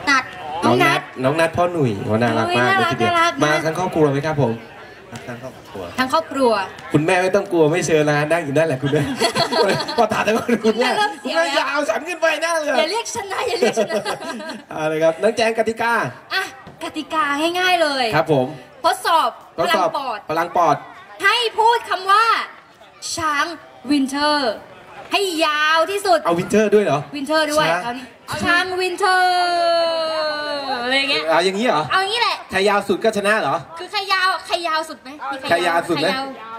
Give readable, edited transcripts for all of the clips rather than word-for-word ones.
นัดน้องนัดพ่อหนุ่ยน่ารักมากเลยทีเดียวมาทั้งครอบครัวไหมครับผมทั้งครอบครัวคุณแม่ไม่ต้องกลัวไม่เชิญนะนั่งอยู่นั่นแหละคุณแม่พอถามแต่ว่าคุณแม่ยาวฉันขึ้นไปนั่นเลยอย่าเรียกฉันนะอย่าเรียกฉันนะอะไรครับน้องแจงกติกาอ่ะกติกาง่ายๆเลยครับผมทดสอบพลังปอดให้พูดคำว่าช้างวินเทอร์ให้ยาวที่สุดเอาวินเทอร์ด้วยเหรอวินเทอร์ด้วยช้างวินเทอร์อะไรเงี้ยเอาอย่างนี้เหรอเอาอย่างนี้แหละใครยาวสุดก็ชนะเหรอคือใครยาวสุดไหมใครยาวสุดไหม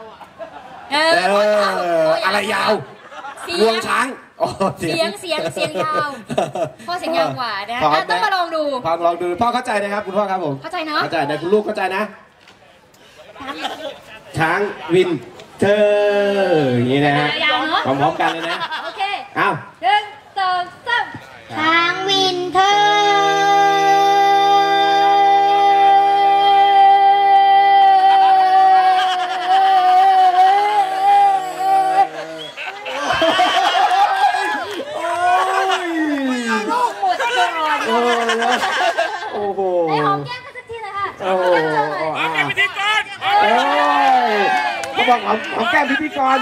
อะไรยาวงวงช้างเสียงยาวพ่อเสียงยาวกว่านะต้องมาลองดูพ่อเข้าใจนะครับคุณพ่อครับผมเข้าใจเนาะเข้าใจนะคุณลูกเข้าใจนะช้างวินเทอร์อย่างนี้นะฮะพร้อมๆกันเลยนะโอเคเอา 1 2 3ช้างวินเทอร์โอ้โหไอ้หอมแก้มกันสักทีเลยค่ะหอมแก้มพิธีกรเขาบอกหอมแก้มพิธีกร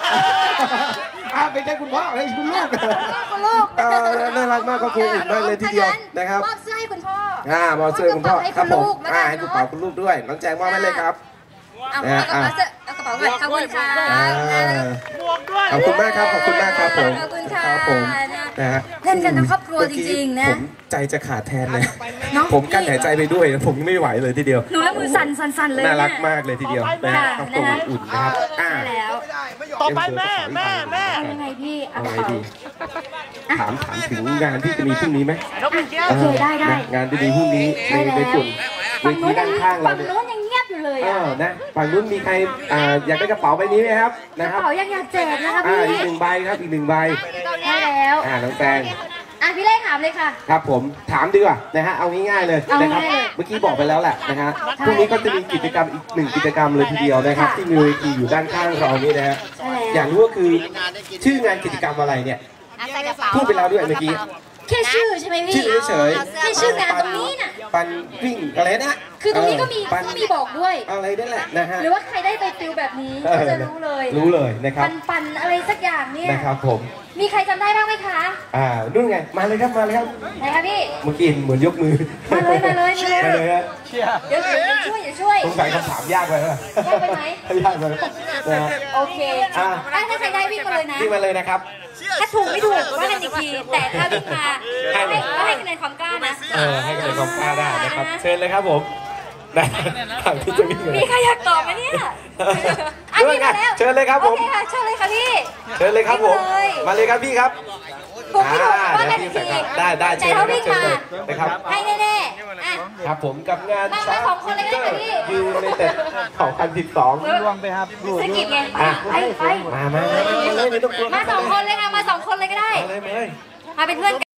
เป็นแค่คุณพ่อให้คุณลูกน่ารักมากก็ครูอุ่นมากเลยทีเดียวนะครับมอบเสื้อให้คุณพ่อมอบเสื้อคุณพ่อครับผมให้กระเป๋าคุณลูกด้วยน้องแจงมอบให้เลยครับเอากระเป๋าด้วยขอบคุณค่ะขอบคุณมากครับขอบคุณมากครับผมครับผมนะฮะเล่นกันทั้งครอบครัวจริงๆนะผมใจจะขาดแทนเลยผมกั้นหายใจไปด้วยผมไม่ไหวเลยทีเดียวหนูแล้วมือสั่นเลยน่ารักมากเลยทีเดียวนะฮะครอบครัวอุ่นนะครับแล้วต่อไปแม่ยังไงพี่เอาไงดีถามถึงงานที่จะมีพรุ่งนี้ไหมโอเคได้งานที่มีพรุ่งนี้ในจุดเวทีด้านข้างเราเนี่ยฝั่งนู้นยังเงียบอยู่เลยนะฝั่งนู้นมีใครอยากได้กระเป๋าใบนี้ไหมครับกระเป๋ายังอยากแจกนะคะพี่อีก1 ใบครับอีก1 ใบได้แล้วน้องแตงพี่เล่ถามเลยค่ะครับผมถามดีกว่านะฮะเอาง่ายๆเลยนะครับเมื่อกี้บอกไปแล้วแหละนะฮะพรุ่งนี้ก็จะมีกิจกรรมอีก1 กิจกรรมเลยทีเดียวนะครับที่มีเวทีอยู่ด้านข้างเรานี่นะฮะอยากรู้ก็คือชื่องานกิจกรรมอะไรเนี่ยพูดไปแล้วด้วยเมื่อกี้แค่ชื่อใช่ไหมพี่ชื่อเฉยแค่ชื่องานตรงนี้น่ะปันวิ่งอะไรนะคือตรงนี้ก็มีบอกด้วยอะไรนั่นแหละนะฮะหรือว่าใครได้ไปฟิลแบบนี้ก็จะรู้เลยนะครับปันอะไรสักอย่างเนี่ยนะครับผมมีใครจำได้บ้างไหมคะนู่นไงมาเลยครับไหนคะพี่เมื่อกี้เหมือนยกมือมาเลยฮะเดี๋ยวช่วยสงสัยคำถามยากไปไหมยากไปไหมยากไปโอเคถ้าใครได้วิ่งมาเลยนะวิ่งมาเลยนะครับถ้าถูกไม่ถูกว่ากันอีกทีแต่ถ้าวิ่งมาให้คะแนนความกล้านะให้คะแนนความกล้าได้นะครับเชิญเลยครับผมได้ถามที่จะวิ่งมีใครอยากตอบไหมเนี่ยด้วยกันเชิญเลยครับผมโอเคค่ะเชิญเลยค่ะพี่เชิญเลยครับผมมาเลยครับพี่ครับถูกไม่ถูกว่ากันอีกทีได้เชิญเลยนะครับให้แน่ๆครับผมกับงานมา2 คนเลยก็ได้พี่ยูในเต็ด2012 ลวงไปครับสกิดไงไปมาเลยไม่ต้องกลัวมา2 คนเลยค่ะมา2 คนเลยก็ได้มาเป็นเพื่อน